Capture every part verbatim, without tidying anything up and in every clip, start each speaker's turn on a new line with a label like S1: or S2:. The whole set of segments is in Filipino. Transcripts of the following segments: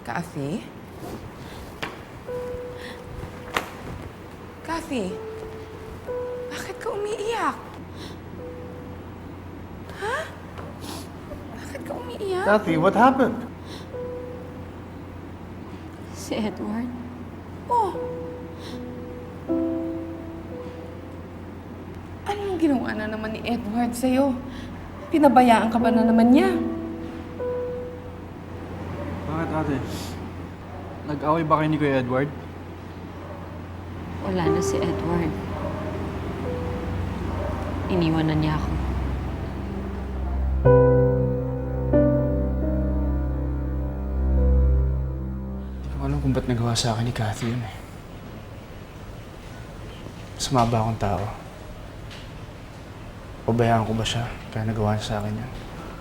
S1: Kathy? Kathy? Bakit ka umiiyak? Ha? Bakit ka umiiyak?
S2: Kathy, what happened?
S3: Si Edward.
S1: Oh. Anong ginawa na naman ni Edward sa'yo? Pinabayaan ka ba na naman niya?
S4: Bakit ate? Nag-away ba kayo ni Kuya Edward?
S3: Wala na si Edward. Iniwan na niya ako.
S4: Hindi ko alam kung ba't nagawa sa akin ni Kathy yun eh. Masama ba akong tao? Pabayaan ko ba siya kaya nagawa niya sa akin yan?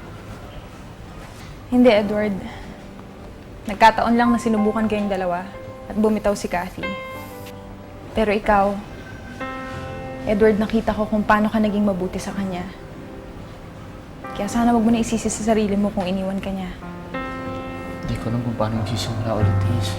S5: Hindi, Edward. Nagkataon lang na sinubukan kayong dalawa at bumitaw si Kathy. Pero ikaw, Edward, nakita ko kung paano ka naging mabuti sa kanya. Kaya sana wag mo na isisi sa sarili mo kung iniwan ka niya.
S4: Hindi ko alam kung paano magsisimula ulit, Liz.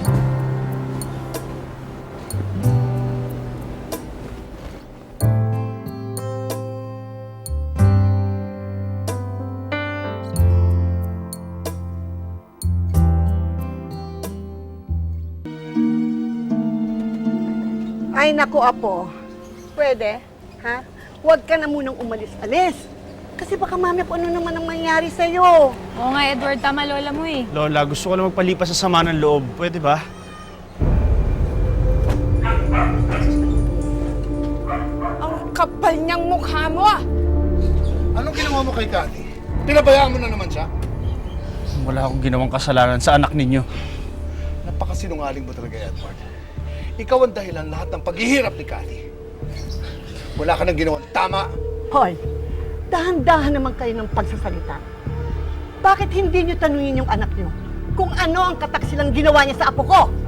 S6: Ay, naku, Apo. Pwede, ha? Huwag ka na munang umalis-alis. Kasi baka mamaya kung ano naman ang mangyari sa'yo.
S5: Oo nga, Edward. Tama lola mo eh.
S4: Lola, gusto ko lang magpalipas sa sama ng loob. Pwede ba?
S1: Ang kapal niyang mukha mo ah!
S2: Anong ginawa mo kay Kathy? Pinabayaan mo na naman siya?
S4: Wala akong ginawang kasalanan sa anak ninyo.
S2: Napakasinungaling mo talaga, Edward. Ikaw ang dahilan lahat ng paghihirap ni Kathy. Wala ka nang ginawang tama.
S6: Hoy, dahan-dahan naman kayo ng pagsasalita. Bakit hindi niyo tanungin yung anak niyo kung ano ang kataksilang ginawa niya sa apo ko?